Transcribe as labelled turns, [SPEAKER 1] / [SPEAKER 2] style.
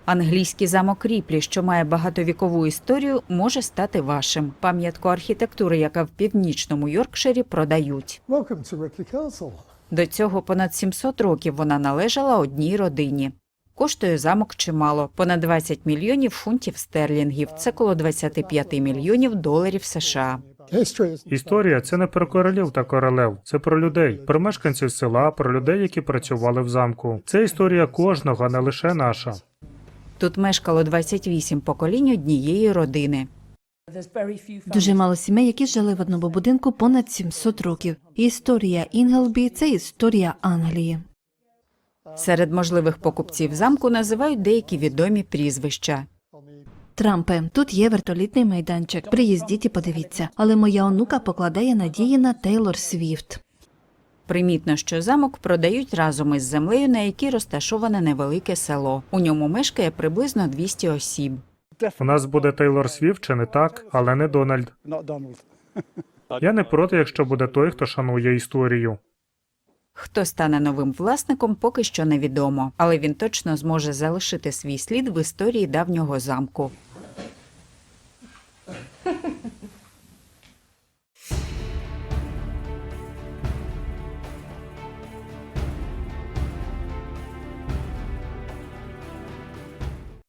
[SPEAKER 1] Англійський замок Ріплі, що має багатовікову історію, може стати вашим. Пам'ятку архітектури, яка в північному Йоркширі, продають.
[SPEAKER 2] Welcome to Ripley Castle.
[SPEAKER 1] До цього понад 700 років вона належала одній родині. Коштує замок чимало – понад 20 мільйонів фунтів стерлінгів. Це коло 25 мільйонів доларів США.
[SPEAKER 2] History is
[SPEAKER 3] Історія – це не про королів та королев, це про людей, про мешканців села, про людей, які працювали в замку. Це історія кожного, а не лише наша.
[SPEAKER 1] Тут мешкало 28 поколінь однієї родини.
[SPEAKER 4] Дуже мало сімей, які жили в одному будинку понад 700 років. Історія Інглбі – це історія Англії.
[SPEAKER 1] Серед можливих покупців замку називають деякі відомі прізвища.
[SPEAKER 4] Трампе, тут є вертолітний майданчик. Приїздіть і подивіться. Але моя онука покладає надії на Тейлор Свіфт.
[SPEAKER 1] Примітно, що замок продають разом із землею, на якій розташоване невелике село. У ньому мешкає приблизно 200 осіб.
[SPEAKER 3] У нас буде Тейлор Свіфт, чи не так, але не Дональд.
[SPEAKER 2] not Donald.
[SPEAKER 3] Я не проти, якщо буде той, хто шанує історію.
[SPEAKER 1] Хто стане новим власником, поки що невідомо, але він точно зможе залишити свій слід в історії давнього замку.